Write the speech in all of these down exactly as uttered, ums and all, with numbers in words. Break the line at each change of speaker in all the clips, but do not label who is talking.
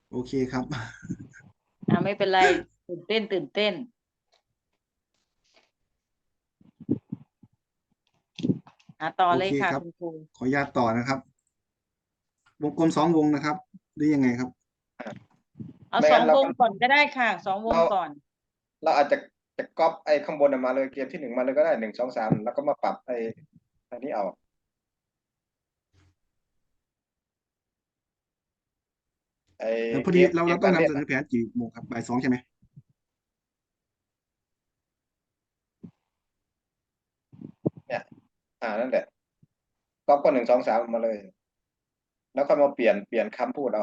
โอเคครับ
อ่าไม่เป็นไรตื่นเต้นตื่นเต้นอ่าต่อ
โอเค
เลยค่ะ
ครับ
คุณครู
ขออนุญาตต่อนะครับวงกลมสองวงนะครับหรือยังไงครับ
เอา
ไม่งั้นเราก็
สองวงก่อนก็ได้ค่ะสองวง
เรา
ก่อน
เราอาจจะจะก๊อปไอ้ข้างบนน่ะมาเลยเกมที่หนึ่งมาเลยก็ได้หนึ่งสองสามแล้วก็มาปรับไอ้อันนี้เอาไอ้
เออพอ
เกมเก
ดีเราเรา
มการเล่นอ่ะ
ต้องนำเสนอแผนกี่โมงครับบ่ายสองใช่ไหม
เนี่ยอ่านั่นแหละก๊อปก็หนึ่งสองสามมาเลยแล้วค่อยมาเปลี่ยนเปลี่ยนคำพูดเอา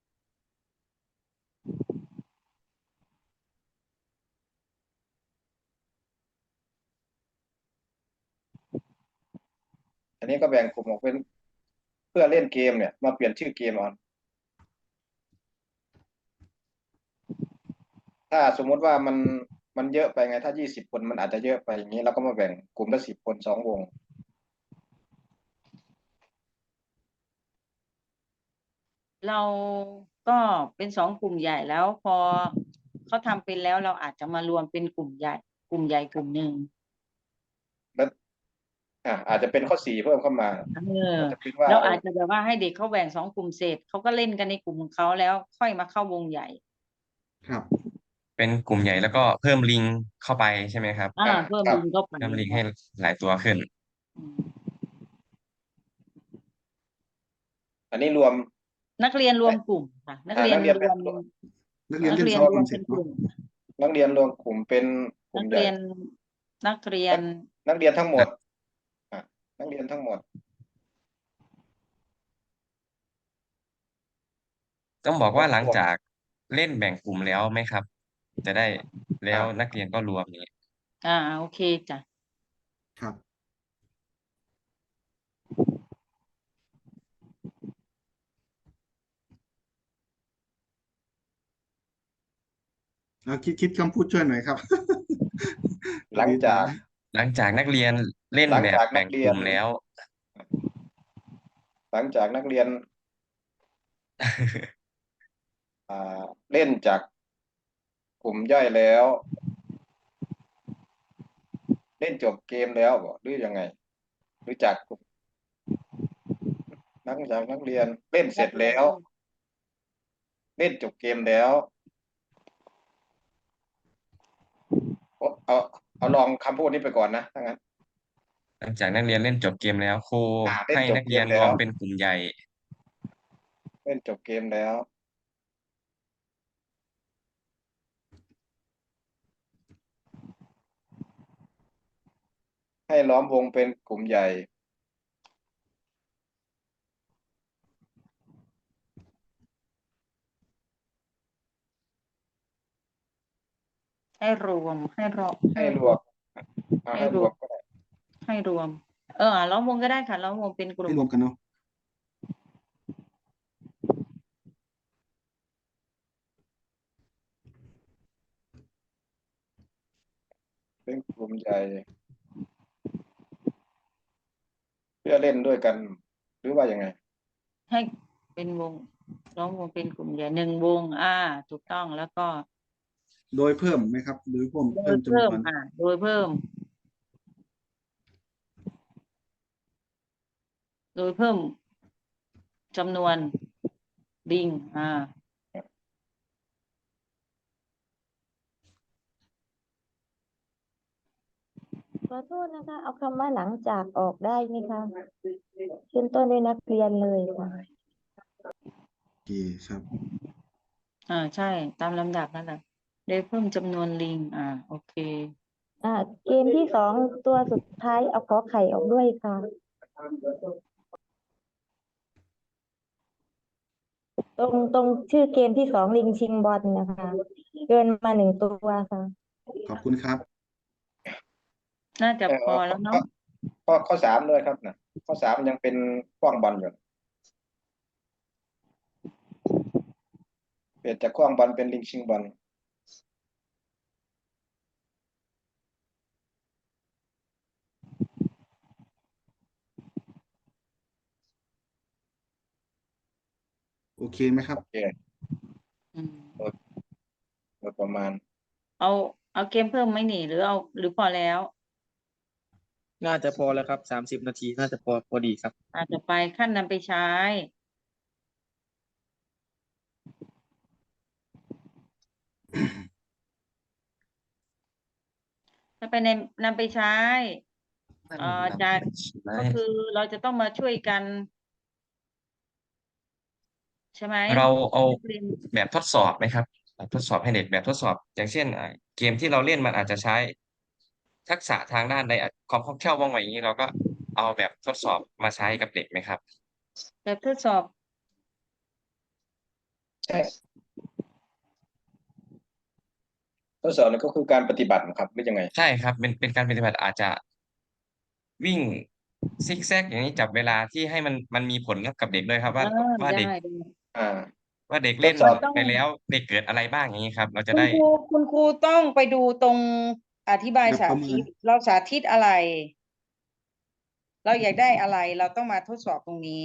อันนี้ก็แบ่งกลุ่มออกเป็นเพื่อเล่นเกมเนี่ยมาเปลี่ยนชื่อเกมเอาถ้าสมมุติว่ามันมันเยอะไปไงถ้ายี่สิบคนมันอาจจะเยอะไปอย่างนี้เราก็มาแบ่งกลุ่มละสิบคนสองวง
เราก็เป็นสองกลุ่มใหญ่แล้วพอเขาทำเป็นแล้วเราอาจจะมารวมเป็นกลุ่มใหญ่กลุ่มใหญ่กลุ่มหนึ่ง
แล้วอ่าอาจจะเป็นข้อสี่เพิ่มเข้ามา
เออ
อาจจะเป็นว่า
เรา
ไอ้
อาจจะแบบว่าให้เด็กเขาแบ่งสองกลุ่มเสร็จเขาก็เล่นกันในกลุ่มของเขาแล้วค่อยมาเข้าวงใหญ่
ครับ
เป็นกลุ่มใหญ่แล้วก็เพิ่มลิงเข้าไปใช่ไหมครับ
อ่า
อ่า
เพิ่ม
ครับ
ลิงเข้าไป
เพิ่มลิงให้หลายตัวขึ้น
อืม
อันนี้รวม
นักเรียนรว
เอ้ย
มกลุ่มค่ะนัก
อ่า
เรียน
นักเรียนเป็น
รวม
นักเรียน
นัก
เล่นสอง
เรียนรวม
กลุ่มเสร็จเนาะ
เป็นกลุ่ม
นักเรียนรวมกลุ่มเป็นกลุ่มใหญ่
นักเรียนนักเรีย
นัก
น
นักเรียนทั้งหมด
นะ
อ่านักเรียนทั้งหมด
ต้องบอกว่าหลัง
หกพวก
จากเล่นแบ่งกลุ่มแล้วไหมครับจะได้แล้วนั
อ่า
กเรียนก็รวมนี้
อ่าโอเคจ้ะ
ครับแล้วคิดคิดคำพูดช่วยหน่อยครับพอดีตอบ
หลังจาก
หลังจากนักเรียนเล่น
หลังจากนั
แบบแบ่ง
กเรียน
กลุ่มแล้ว
หลังจากนักเรียน อ่าเล่นจากกลุ่มย่อยแล้วเล่นจบเกมแล้วบอกหรือยังไงหรือจากกลุ่มนักจากนักเรียนเล่นเส
นั
ร็จแล้ว
กเรียนเล่น
เล่นจบเกมแล้วเอาเอาเอาลองคำพูดนี้ไปก่อนนะถ้างั้น
หลังจากนักเรียนเล่นจบเกมแล้วครู
อ่าเล่น
ให้
จบ
นักเรียนร
เกมแล้ว
วมเป็นกลุ่มใหญ่
เล่นจบเกมแล้วให้ล้อมวงเป็นกลุ่มใหญ่
ให้รวมให้รอให้
ให้ร
รวม
วมอ่าให้
ให้รวม
รวมก็ได้
ให้รวมเออล้อมวงก็ได้ค่ะล้อมวงเป็นก
ให้
ลุ่ม
รวมกันเนาะ
เป็นกลุ่มใหญ่เพื่อเล่นด้วยกันหรือว่ายังไง
ให้เป็นวงล้อมวงเป็นกลุ่มใหญ่หนึ่งวงอ่าถูกต้องแล้วก็
โดยเพิ่มไหมครับโดยเพิ่ม
โด
เพิ่
ยเพิ่
มจำนวน
มอ่าโดยเพิ่มโดยเพิ่มจำนวนลิงอ่า
ขอโทษนะคะเอาคำว่าหลังจากออกได้ไหมคะขึ้นต้นด้วยนักเรียนเลยค่ะ
โอเคครับ
อ่าใช่ตามลำดับนั่นแหละโดยเพิ่มจำนวนลิงอ่าโอเค
อ่าเกมที่สองตัวสุดท้ายเอาขอไข่ออกด้วยค่ะตรงตรงชื่อเกมที่สองลิงชิงบอลนะคะเกินมาหนึ่งตัวค่ะ
ขอบคุณครับ
น่าจะ
เออ
พอแล้วเนาะ
ข้อข้อข้อสามด้วยครับนะข้อสามยังเป็นขว้างบอลอยู่เปลี่ยนจากขว้างบอลเป็นลิงชิงบอล
โอเคไหมครับ
โอเคโดยประมาณ
เอาเอาเกมเพิ่มไหมนี่หรือเอาหรือพอแล้ว
น่าจะพอแล้วครับสามสิบนาทีน่าจะพอพอดีครับ
อาจจะไปขั้นนำไปใช้ ถ้าไปในนำไปใช้ เอ่อจาก ก็คือเราจะต้องมาช่วยกัน ใช่ไหม
เราเอา
นักเรียน
แบบทดสอบไหมครับแบบทดสอบให้เด็กแบบทดสอบ อย่างเช่นอ่าเกมที่เราเล่นมันอาจจะใช้ทักษะทางด้านใดอ่ะความคล่องแคล่วว่องไวอย่างนี้เราก็เอาแบบทดสอบมาใช้กับเด็กไหมครับ
แบบทดสอบ
ใช่ทดสอบนี่ก็คือการปฏิบัตินะครับหรือยังไง
ใช่ครับเป็นเป็นการปฏิบัติอาจจะวิ่งซิกแซกอย่างนี้จับเวลาที่ให้มันมันมีผลกับเด็กด้วยครับ
เอ
ว่า
อ
ว่า
ได้
เด็ก
ได้
อ่า
ว่าเด็ก
ท
เล่
ด
น
สอบ
ต้อง
ไปแล้วเด็กเกิดอะไรบ้างอย่างนี้ครับ เราจะ
คุณ
ได้
ครูคุณครูต้องไปดูตรงอธิบาย
แบบ
สา
ประเมิ
ธิ
น
ต เราสาธิตอะไร เราอยากได้อะไร เราต้องมาทดสอบตรงนี้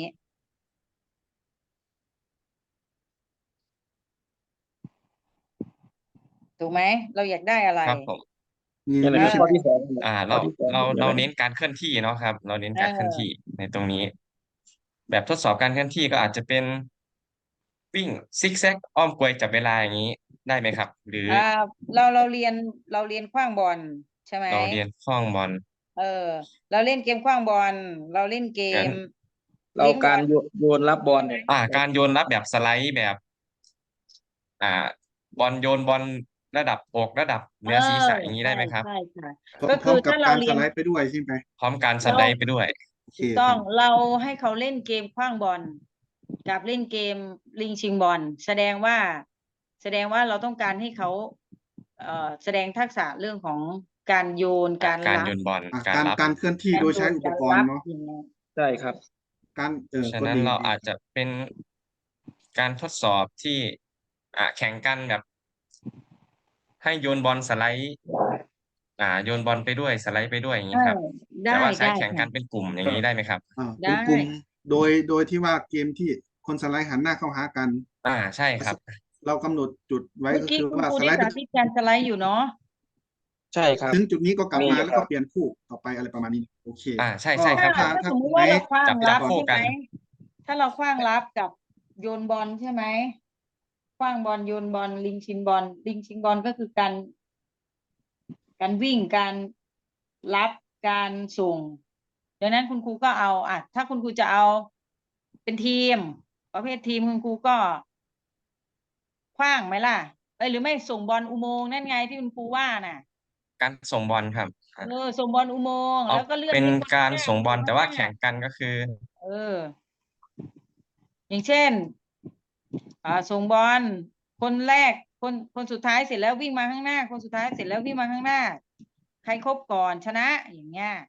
ถูกไหม เราอยากได้อะไร
ครับผม
นี่
นี่แหละ
นี่
คือ
ใช่
ข้อ
ไหม
ที่สอง
อ่า
ข้
เรา
อที่สอง
เรา
คือ
เรา
อะไร
เน้นการเคลื่อนที่เนาะครับ เราเน้น
เอ
การเคลื่อนที่
อ
ในตรงนี้ แบบทดสอบการเคลื่อนที่ก็อาจจะเป็น วิ่งซิกแซกอ้อมกลวยจับเวลาอย่างนี้ได้ไหมครับ หรือ
อ่า เราเราเรียนเราเรียนขว้างบอลใช่ไหม
เราเรียนขว้างบอล
เออ เราเล่นเกมขว้างบอล เราเล่นเก
งั้
ม
น
เรา
เลี้ยงบ
กา
อ
ร
ล
โยนโยนรับบอลเนี่ย
อ่า การโยนรับแบบสไลด์แบบ อ่า บอลโยนบอลระดับอกระดับเห
เอ
นือ
อ
ศีรษะอย่างนี้
ใช่
ได้ไหมครับ
ใช่ค่ะ
พร้อ
ก็
ม พ
ค
ร้อื ม
อ
กับ
ถ้าเรา
การ
เรี
ส
ยน
ไลด์ไปด้วยใช่ไหม
พร้อมการส
เรา
ไลด์ไปด้วย
โอเค
ถูก
ค
ต้อ
รั
ง
บ
เราให้เขาเล่นเกมขว้างบอล กับเล่นเกมลิงชิงบอล แสดงว่า แสดงว่าเราต้องการให้เขา เอ่อ แสดงทักษะเรื่องของการโยน
อ่า
การ
การ
รั
โย
บ
นบอล
อ่ะ
การ
การ
รับ
การเคลื่อนที่
การ
โดย
โย
ใช้
น
อุป
การ
กร
รั
ณ์
บ
เนาะ
อย่างเงี้ย
ใช่ครับ
การ เออ
ฉะ
ก็
นั้น
ดี
เรา
ดี
อาจจะเป็น การทดสอบที่ อ่า แข่งกันแบบ ให้โยนบอลสไลด์ อ่า โยนบอลไปด้วย สไลด์ไปด้วย อย่าง
เอ
งี้ครับ
อ ได
แต่ว่าใช้
ได้
แข่ง
ค่
กั
ะ
นเป็นกลุ่มอย่า
ก็
งงี้ได้ไหมครับ?
อ่า
ได
เป็นกลุ่ม โดย โดยที่ว่าเกมที่คนสไลด์หันหน้าเข้าหากัน
อา ใช่ค
ส
รับ
เรากำหนดจุดไว้
เมื่อ
ก็
กี้
คือ
คุณ
ว่า
ครู
ส
ได้
ไลด์
สา
ไป
ธิตการสไลด์อยู่เนาะ
ใช่ครับ
ถึงจุดนี้ก็กลับ
มี
มา
อยู่
แล้ว
ครั
ก็
บ
เปลี่ยนคู่ ต่อไป อะไรประมาณนี้ โอเค
อา ใช่
ก็
ใช่ค
ถ้า
รับ
ถ้า
ถ้า
ถ้า
สมมุ
กลุ่
ติ
ม
ว่า
ไหน
เราขว้าง
จับ
รั
จั
บบ
คู่
ใช่
กั
ไห
น
ม ถ้าเราขว้างรับกับโยนบอลใช่ไหม ขว้างบอล โยนบอล ลิงชิงบอล ลิงชิงบอลก็คือการ การวิ่ง การรับ การส่ง ดังนั้นคุณครูก็เอา อะ ถ้าคุณครูจะเอาเป็นทีม ประเภททีม คุณครูก็ ขว้างไหมล่ะ เอ๊ย หรือไม่ส่งบอลอุโมงค์นั่นไงที่คุณครูว่าน่ะ
การส่งบอลครับ อ
เอ
า
อ ส่งบอลอุโมงค์
เอา
แล้วก็เลื่อ
เป
น็
น
ให้คน
กา
ข้าง
ร
หน้า
ส่งบอล
อยู่
แต่
ข้าง
ว่า
หน้า
แข่งกันก็คือ
เออ อย่างเช่น อ่า ส่งบอล คนแรก คน คนสุดท้ายเสร็จแล้ววิ่งมาข้างหน้า คนสุดท้ายเสร็จแล้ววิ่งมาข้างหน้า ใครครบก่อนชนะ อย่างเงี้ย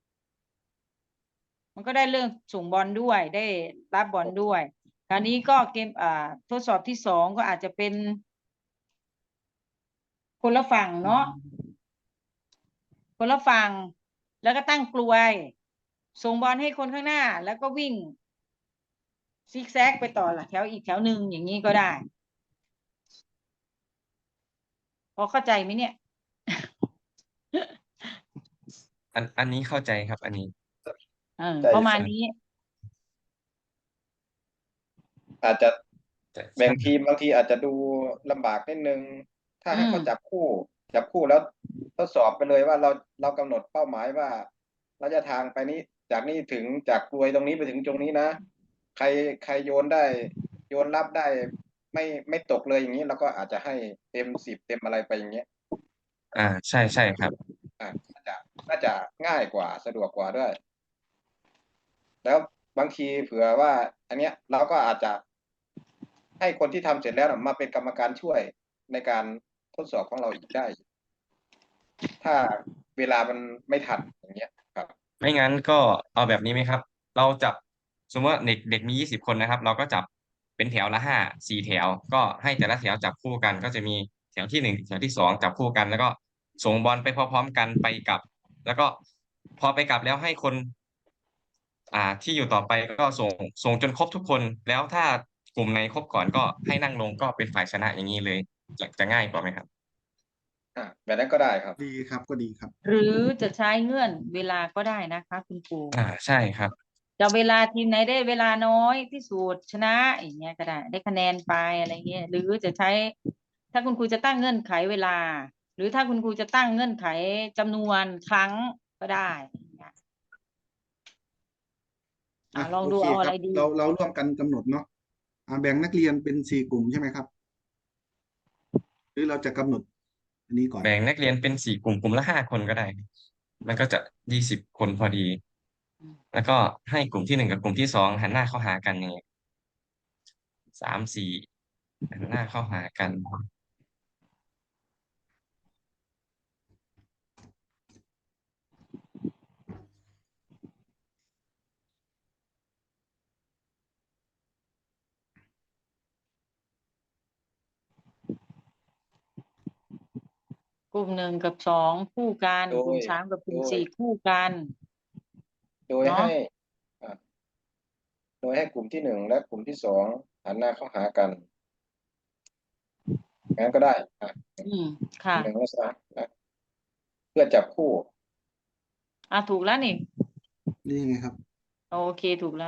มันก็ได้เรื่องส่งบอลด้วย ได้รับบอลด้วย คราวนี้ก็เกม อ่า ทดสอบที่ สอง ก็อาจจะเป็น คนละฝั่งเนาะ คนละฝั่ง แล้วก็ตั้งกลวย ส่งบอลให้คนข้างหน้า แล้วก็วิ่ง ซิกแซกไปต่อแถวอีกแถวหนึ่ง อย่างงี้ก็ได้ พอเข้าใจไหมเนี่ย?
อัน อันนี้เข้าใจครับ อันนี้
เออ
ใช่
ประมาณ
ครับ
นี้
อาจจะ
ใช่
แบ่ง
ใช่
ทีม บางทีอาจจะดูลำบากนิดหนึ่ง ถ้า
อื
ให้เขา
ม
จับคู่ จับคู่แล้วทดสอบไปเลยว่า เรา เรากำหนดเป้าหมายว่า ระยะทางไปนี้ จากนี้ถึง จากกรวยตรงนี้ไปถึงตรงนี้นะ ใคร ใครโยนได้ โยนรับได้ ไม่ ไม่ตกเลย อย่างงี้ เราก็อาจจะให้เต็ม สิบ เต็มอะไรไป อย่างเงี้ย
อา ใช่ ๆ ครับ
อา น่าจะ น่าจะง่ายกว่า สะดวกกว่าด้วย แล้วบางทีเผื่อว่า อันเนี้ย เราก็อาจจะ ให้คนที่ทำเสร็จแล้วน่ะมาเป็นกรรมการช่วยในการทดสอบของเราอีกได้ ถ้าเวลามันไม่ทัน อย่างเงี้ยครับ
ไม่งั้นก็เอาแบบนี้ไหมครับ เราจับ สมมุติว่าเด็ก เด็กมี ยี่สิบ คนนะครับ เราก็จับเป็นแถวละ ห้า สี่ แถว ก็ให้แต่ละแถวจับคู่กัน ก็จะมีแถวที่ หนึ่ง แถวที่ สอง จับคู่กัน แล้วก็ส่งบอลไปพร้อม ๆ กัน ไปกลับ แล้วก็พอไปกลับแล้วให้คน อ่า ที่อยู่ต่อไปก็ส่ง ส่งจนครบทุกคน แล้วถ้ากลุ่มไหนครบก่อนก็ให้นั่งลง ก็เป็นฝ่ายชนะ อย่างงี้เลยจะจะง่ายกว่าไหมครับ
อ่าแบบนั้นก็ได้ครับ
ดีครับก็ดีครับ
หรือจะใช้เงื่อนเวลาก็ได้นะคะคุณครู
อ่าใช่ครับ
จะเวลาทีมไหนได้เวลาน้อยที่สุดชนะอย่างเงี้ยก็ได้ได้คะแนนไปอะไรเงี้ยหรือจะใช้ ถ้าคุณครูจะตั้งเงื่อนไขเวลา หรือถ้าคุณครูจะตั้งเงื่อนไขจำนวนครั้งก็ได้อย่างเงี้ย อ่ะ
อ่ะ
ลอง
โอ
ดู
เค
เอา
ค
อะ
รั
ไร
บ
ดี
เราเราร่วมกันกำหนดเนาะอ่าแบ่งนักเรียนเป็นสี่กลุ่มใช่ไหมครับ หรือเราจะกำหนดอันนี้ก่อน
แบ่งนักเรียนเป็นสี่กลุ่มกลุ่มละห้าคนก็ได้ มันก็จะยี่สิบคนพอดี แล้วก็ให้กลุ่มที่หนึ่งกับกลุ่มที่สองหันหน้าเข้าหากันอย่างเงี้ยสามสี่หันหน้าเข้าหากัน
กลุ่มหนึ่งกับสองคู่กัน
โด
กลุ่ม
ย
สามกับกลุ่ม
โดย
สี่คู่กัน
โดย
เนาะ
ให้อ่าโดยให้กลุ่มที่หนึ่งและกลุ่มที่สองหันหน้าเข้าหากันงั้นก็ได้อ่ะ
อืมค่ะ
หนึ่งและสามนะเพื่อจับคู่
อ่ะถูกแล้วนี่
นี่ไงครับ
โอเคถูกแล้ว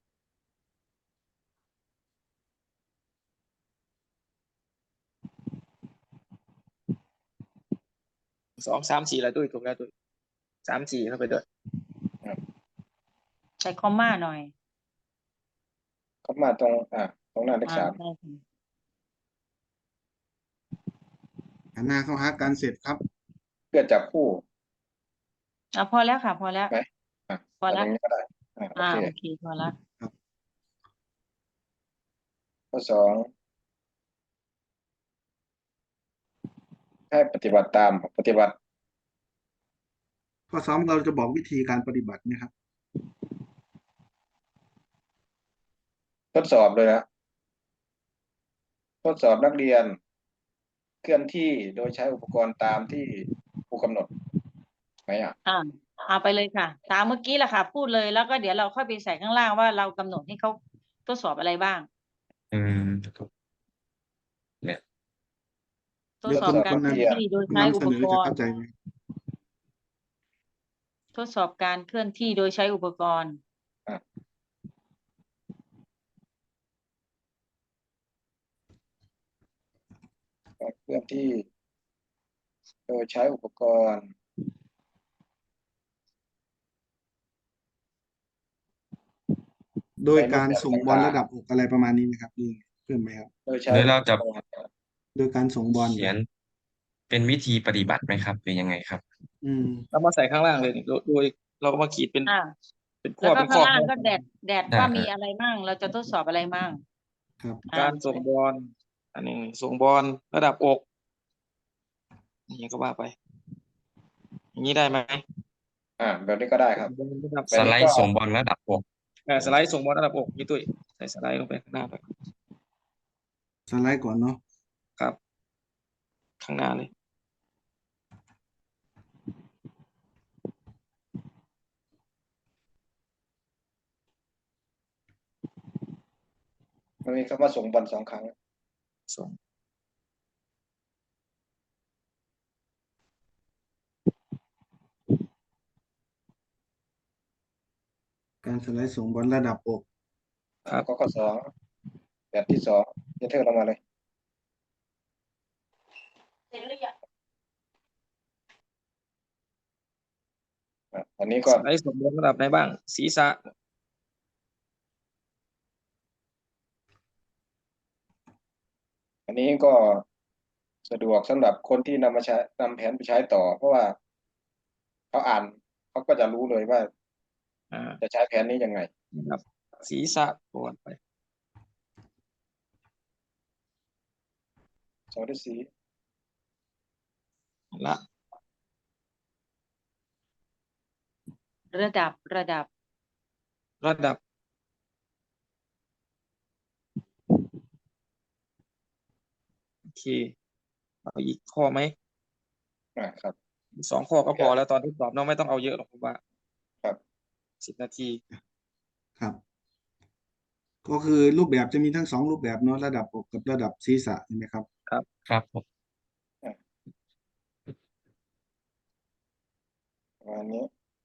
สองสามสี่แล้วด้วยถูกแล้วด้วยสามสี่เข้าไปด้วย
ใส่คอมมาหน่อย
เข้ามาตรงอ่าตรงหน้าเลข
อ่า
สาม
ใช่ค่ะ
หันหน้าเข้าหากันเสร็จครับ
เพื่อจับคู่
อ่ะพอแล้วค่ะ พอแล้ว
ไหมอ่ะ
พอ
แบบ
แล้ว
นี้ก็ได้อ่าโอ
อ่า
เค
โอเคพอแล้ว
ข้อสองให้ปฏิบัติตามปฏิบัติ
ข้อสองเราจะบอกวิธีการปฏิบัตินะครับ
ทดสอบเลยนะทดสอบนักเรียน เคลื่อนที่โดยใช้อุปกรณ์ตามที่ครูกำหนดไหมอ่ะ
อ่าเอาไปเลยค่ะ ตามเมื่อกี้แหละค่ะ พูดเลยแล้วก็เดี๋ยวเราค่อยไปใส่ข้างล่างว่าเรากำหนดให้เขาทดสอบอะไรบ้าง
อืมเนี่ย
ทด
เดี๋ยว
สอ
คุ
บ
ณ
การ
คน
เคลื่อน
นำ
ที่โดย
คน
ใช้อุ
นำเส
ป
นอก จะ
ร
เข้า
ณ์
ใจไหม
ทดสอบการเคลื่อนที่โดยใช้อุปกรณ์
การเคลื่อนที่ โดยใช้อุปกรณ์
โดยการส่งบอลระดับอกอะไรประมาณนี้ไหมครับนี่เพิ่มไหมครับ
โดยใช้
หรือเราจะ
อุปกรณ์
โดยการส่งบอล
เขียนเป็นวิธีปฏิบัติไหมครับหรือยังไงครับ
อืม
เรามาใส่ข้างล่างเลยนี่โดยโดยเราก็มาขีดเป็น
อ่า
เป็นข้
แล้
อ
วก็
เป็นข้
ข้า
อง
ล่างก็แดดแดด
ได้
ว่า
ครับ
มีอะไรมั่ง เราจะทดสอบอะไรมั่ง
ครับ
อ่
การส่งบอลอันนี้ส่งบอลระดับอก อย่างนี้ก็ว่าไป อย่างนี้ได้ไหม
อ่า แบบนี้ก็ได้ครับ
บอลระดับ
แบ
ส
บนี้
ไล
ก็
ด์ส่งบอลระดับอก
เอ่อสไลด์ส่งบอลระดับอกนี่ตุ้ยใส่สไลด์ลงไปข้างหน้าไป
สไลด์ก่อนเนาะ
ครับ ข้างหน้าเลย
มันมีคำว่าส่งบอลสองครั้ง
ส่ง
การสไลด์ส่งบอลระดับอก
ครับ
ก็ข้อสองแบบที่สองจะเทิร์นลงมาเลย
เสร็จหรือยัง
อ่ะอันนี้ก็
สไลด์ส่งบอลระดับไหนบ้าง ศีรษะ
อันนี้ก็สะดวกสำหรับคนที่นำมาใช้นำแผนไปใช้ต่อ เพราะว่าเขาอ่านเขาก็จะรู้เลยว่า
อ่า
จะใช้แผนนี้ยังไง
นะครับศีรษะก่อนไป
สองด้วยสี
ละ
ระดับระดับ
ระดับ โอเค เอาอีกข้อไหม
อ่าครับ
สองข้อก็พอแล้วตอนทดสอบน้องไม่ต้องเอาเยอะหรอกผมว่า
ครับ
สิบนาที
ครับ ก็คือรูปแบบจะมีทั้งสองรูปแบบเนาะระดับอกกับระดับศีรษะใช่ไหมครับ
ครับ
ครับผม
ประมาณนี้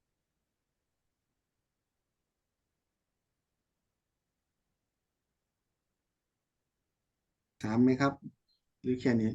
ถามไหมครับ หรือแค่นี้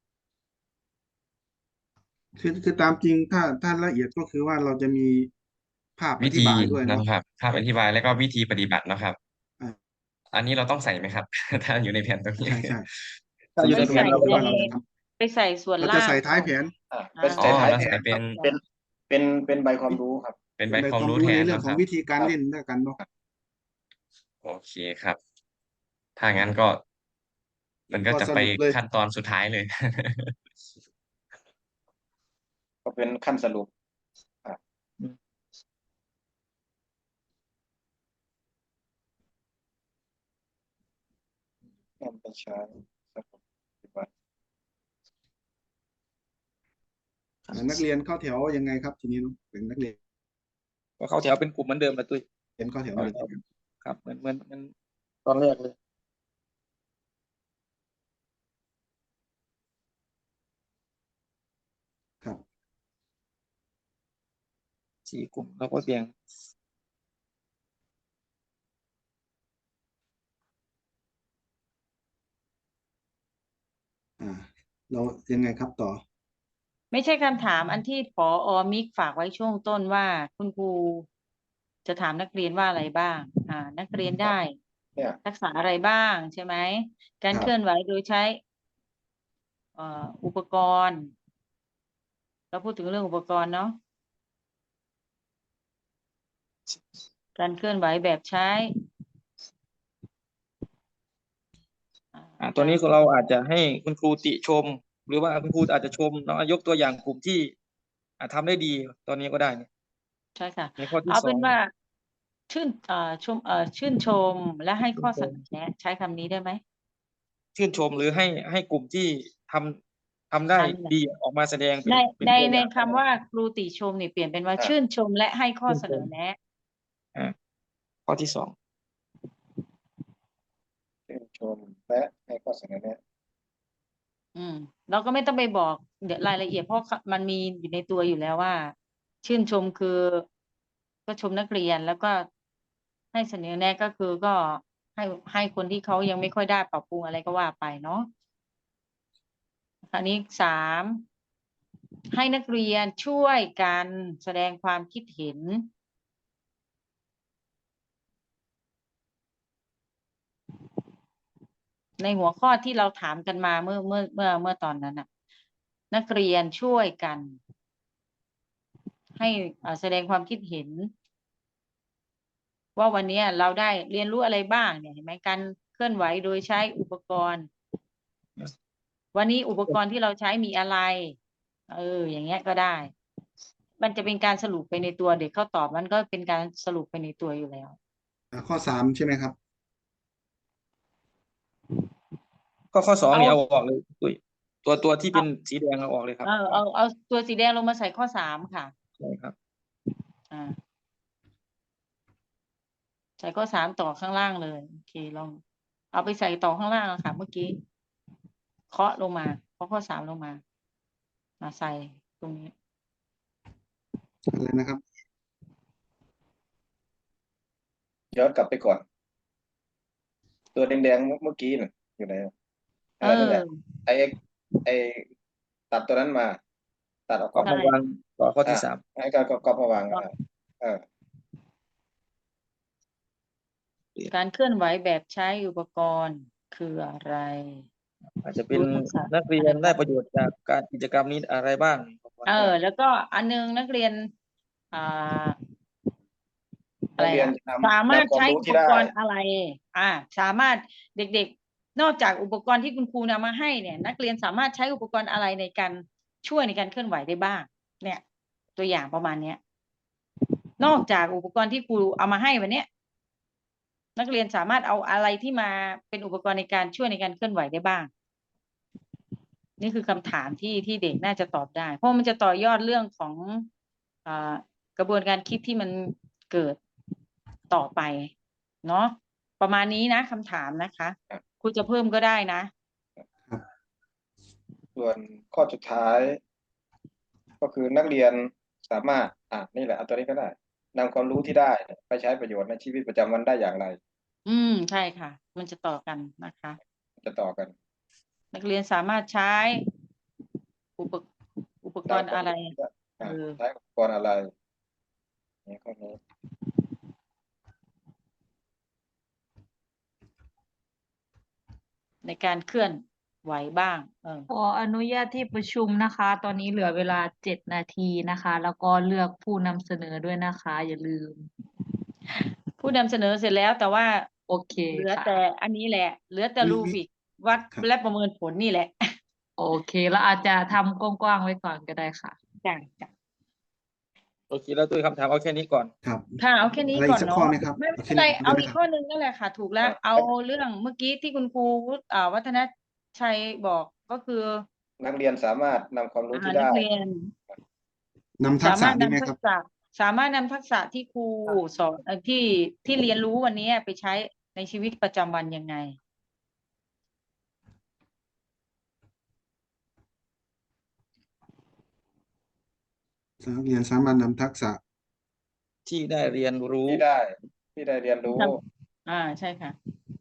คือคือตามจริงถ้าถ้าละเอียดก็คือว่าเราจะมีภาพอ
วิ
ธิ
ธี
บายด้วย
นะ
เนาะ
ครับภาพอธิบายแล้วก็วิธีปฏิบัติเนาะครับ
อ่า
อันนี้เราต้องใส่ไหมครับ ถ้าอยู่ในแผนตรงนี้
ใช่ใช่
ถ้าอยู่
ไป
ในแผ
ใส่
นเรา
ก็
ก็
คือ
ใน
ว่าเราจะท
ไปใส่ส่วน
ำเรา
ล่า
จะ
ง
ใส่ท้ายแผน
อ่า
อ่า
เป็น
อ๋อ
ใส่ท้าย
เรา
แผ
ใส่
น
เป็น
เป็นเป็นเป็นใบความรู้ครับ
เป็น
เป็
ใบ
นใบ
ความ
ความ
รู้
รู้
แท
ใน
น
เรื่อ
เนาะ
งข
ค
อง
รับ
วิธีการ
ครับ
เล่นด้วยกันเนาะ
โอเคครับ ถ้างั้นก็ มันก็
ก็
จะ
ส
ไป
รุปเลย
ขั้นตอนสุดท้ายเลย
ก็เป็นขั้นสรุป อ่า
อืม
นำไปใช้สรุปปฏิบัติ
อ่านักเรียนเข้าแถวยังไงครับทีนี้เนาะเป็นนักเรียน
ก็เข้าแถวเป็นกลุ่มเหมือนเดิมนะตุ้ย
เรียนเข้าแถว
เข้า
เลย
แถ
ใช่
ว
ไหมครับ
ครับเหมือนเหมือนเหมือนตอนแรกเลย
ครับ
สี่กลุ่มเราก็แบ่ง
อ่า เรายังไงครับต่อ
ไม่ใช่คำถามอันที่ผอ. มิกฝากไว้ช่วงต้นว่าคุณครูจะถามนักเรียนว่าอะไรบ้าง อ่า นักเรียนได้
เนี่ย
ทักษะอะไรบ้างใช่ไหม การ
ครับ
เคลื่อนไหวโดยใช้ เอ่อ อุปกรณ์ เราพูดถึงเรื่องอุปกรณ์เนาะ การเคลื่อนไหวแบบใช้
อ่าตัวนี้เราอาจจะให้คุณครูติชม หรือว่าคุณครูอาจจะชมเนาะยกตัวอย่างกลุ่มที่อ่าทำได้ดีตอนนี้ก็ได้เนี่ย
ใช่ค่ะ
ในข้อที่
เอา
ส
เป็
อน ง
ว่า ชื่น เอ่อ ชม เอ่อ ชื่นชมและให้ข้อ
ชื่
เส
นชม
นอแนะ ใช้คำนี้ได้ไหม
ชื่นชมหรือให้ให้กลุ่มที่ทำทำได้
อันไหน
ดีออกมาแสดงเป็
ใน
นเป็น
ใน
ตัวอ
ใน
ย่าง
คำว่าครูติชมนี่เปลี่ยนเป็นว่า
อ่า
ชื่นชมและให้ข้อ
ชื่น
เส
ช
น
ม
อแนะ
อ่าข้อที่ สอง
ชื่นชมและให้ข้อเสนอแนะ
อืม เราก็ไม่ต้องไปบอกเดี๋ยวรายละเอียดเพราะมันมีอยู่ในตัวอยู่แล้วว่า ชื่นชมคือ ก็ชมนักเรียนแล้วก็ให้เสนอแนะก็คือก็ให้ให้คนที่เขายังไม่ค่อยได้ปรับปรุงอะไรก็ว่าไปเนาะคราวนี้สามให้นักเรียนช่วยกันแสดงความคิดเห็น ในหัวข้อที่เราถามกันมาเมื่อเมื่อเมื่อเมื่อตอนนั้นน่ะ นักเรียนช่วยกัน ให้อ่าแสดงความคิดเห็น ว่าวันนี้เราได้เรียนรู้อะไรบ้างเนี่ยเห็นไหมการเคลื่อนไหวโดยใช้อุปกรณ์ วันนี้อุปกรณ์ที่เราใช้มีอะไร เออ อย่างเงี้ยก็ได้ มันจะเป็นการสรุปไปในตัวเด็กเขาตอบมันก็เป็นการสรุปไปในตัวอยู่แล้ว
อ่าข้อสามใช่ไหมครับ
ข้อข้อสอง
เอา
นี่เอาออกเลยตุ้ยตัวตัวที่เป็นสีแดงเอาออกเลยครับ
เออเอาเอาตัวสีแดงลงมาใส่ข้อสามค่ะ
ใช่ครับ
อ่า ใส่ข้อสามต่อข้างล่างเลยโอเคลอง เอาไปใส่ต่อข้างล่างอะค่ะเมื่อกี้ เคาะลงมาเคาะข้อสามลงมา มาใส่ตรงนี้
อะไรนะครับ
ย้อนกลับไปก่อน ตัวแดงๆเมื่อกี้น่ะอยู่ไหน
เอ
นั่นแห
อ
ละไอไอตัดตัวนั้นมา ตัดออก
ก็
ก่อน
มาวางต่อข้อที่
อ่ะ
สาม
ให้การก็ก็มาวางอ่ะเออ
การเคลื่อนไหวแบบใช้อุปกรณ์คืออะไร
อาจจะเป็น
รู้ทักษะ
นักเรียนได้ประโยชน์จากการกิจกรรมนี้อะไรบ้าง
เออ แล้วก็อันนึงนักเรียน อ่า อะ
นั
ไร
กเรียน
อะ
นำ
สามารถ
นำควา
ใช้
มรู้
อุ
ที่
ป
ได้
กรณ์อะไร อ่า สามารถเด็กๆ นอกจากอุปกรณ์ที่คุณครูนำมาให้เนี่ย นักเรียนสามารถใช้อุปกรณ์อะไรในการช่วยในการเคลื่อนไหวได้บ้าง เนี่ย ตัวอย่างประมาณเนี้ย นอกจากอุปกรณ์ที่ครูเอามาให้วันเนี้ย นักเรียนสามารถเอาอะไรที่มาเป็นอุปกรณ์ในการช่วยในการเคลื่อนไหวได้บ้าง นี่คือคำถามที่ที่เด็กน่าจะตอบได้ เพราะมันจะต่อยอดเรื่องของอ่ากระบวนการคิดที่มันเกิดต่อไปเนาะประมาณนี้นะคำถามนะคะครูจะเพิ่มก็ได้นะ
ส่วนข้อสุดท้าย ก็คือนักเรียนสามารถอ่ะนี่แหละเอาตัวนี้ก็ได้นำความรู้ที่ได้ไปใช้ประโยชน์ในชีวิตประจำวันได้อย่างไร
อืมใช่ค่ะ มันจะต่อกันนะคะ
จะต่อกัน
นักเรียนสามารถใช้อุปอุปกรณ์อะไร
อ่ะ
เออ
ใช้อุปกรณ์อะไรนี่ข้อนี้
ในการเคลื่อนไหวบ้าง เออ
ขออนุญาตที่ประชุมนะคะ ตอนนี้เหลือเวลาเจ็ดนาทีนะคะ แล้วก็เลือกผู้นำเสนอด้วยนะคะ อย่าลืม
ผู้นำเสนอเสร็จแล้ว แต่ว่า
โอเค
เหลือ
ค่ะ
แต่อันนี้แหละ เหลือแต่
มี
รู
มี
บิกวัด
ครับ
และประเมินผลนี่แหละ
โอเค แล้วอาจจะทำกว้างๆไว้ก่อนก็ได้ค่ะ
จ้ะจ้ะ
โอเคแล้วด้วยคำถามเอาแค่นี้ก่อน
ครับ
ค่ะเอาแค่นี้
อะไร
ก่
อี
อน
กสัก
เนาะ
ข้อไหมครับ
ไม่
เอา
ไม่
แค่
เป็นไร
นี้
เอา
ได้ไหม
อีก
ครับ
ข้อหนึ่งนั่นแหละค่ะ ถูกแล้ว
อ่ะ
เอาเรื่องเมื่อกี้ที่คุณครูอ่าวัฒนชัยบอกก็คือ
นักเรียนสามารถนำความรู้
อ่า
ที่
นั
ได้
กเรียน
นำทั
สาก
ษะ
มารถ
ดีไหม
นำ
ค
ทั
รับ
กษะ สามารถนำทักษะที่ครูสอนเอ่อที่ที่เรียนรู้วันนี้ไปใช้ในชีวิตประจำวันยังไง
นักเรียนสามารถนำทักษะ
ที่ได้เรียนรู้
ที่ได้ ที่ได้เรียนรู้
อ่าใช่ค่ะ